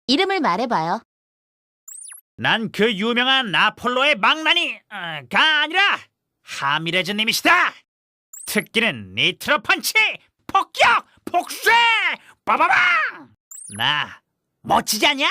이름을 말해봐요. 난 그 유명한 아폴로의 망나니가 아니라 하미레즈님이시다. 특기는 니트로 펀치, 폭격, 폭쇄, 빠바방. 나 멋지지 않냐?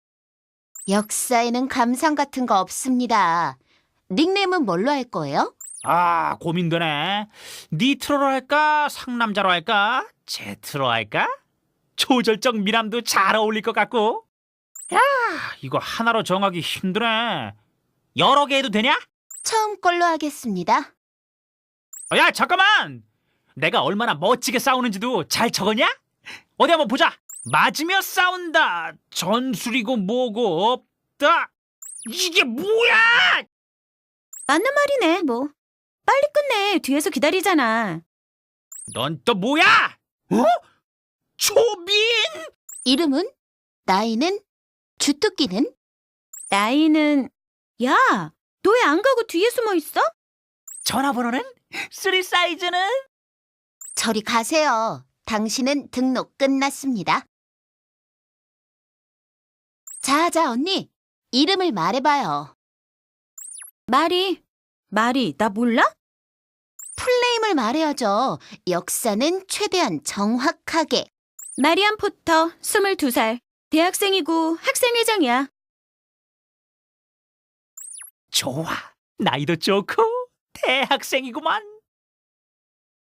역사에는 감상 같은 거 없습니다. 닉네임은 뭘로 할 거예요? 아, 고민되네. 니트로로 할까? 상남자로 할까? 제트로 할까? 초절정 미남도 잘 어울릴 것 같고. 야, 이거 하나로 정하기 힘드네. 여러 개 해도 되냐? 처음 걸로 하겠습니다. 야, 잠깐만! 내가 얼마나 멋지게 싸우는지도 잘 적었냐? 어디 한번 보자. 맞으며 싸운다. 전술이고 뭐고 없다. 이게 뭐야? 맞는 말이네, 뭐. 빨리 끝내. 뒤에서 기다리잖아. 넌 또 뭐야? 어? 초빈? 이름은? 나이는? 주특기는? 나이는... 야, 너 왜 안 가고 뒤에 숨어 있어? 전화번호는? 3 사이즈는? 저리 가세요. 당신은 등록 끝났습니다. 자, 언니. 이름을 말해봐요. 마리, 나 몰라? 풀네임을 말해야죠. 역사는 최대한 정확하게. 마리안 포터, 22살. 대학생이고 학생회장이야. 좋아. 나이도 좋고 대학생이구만.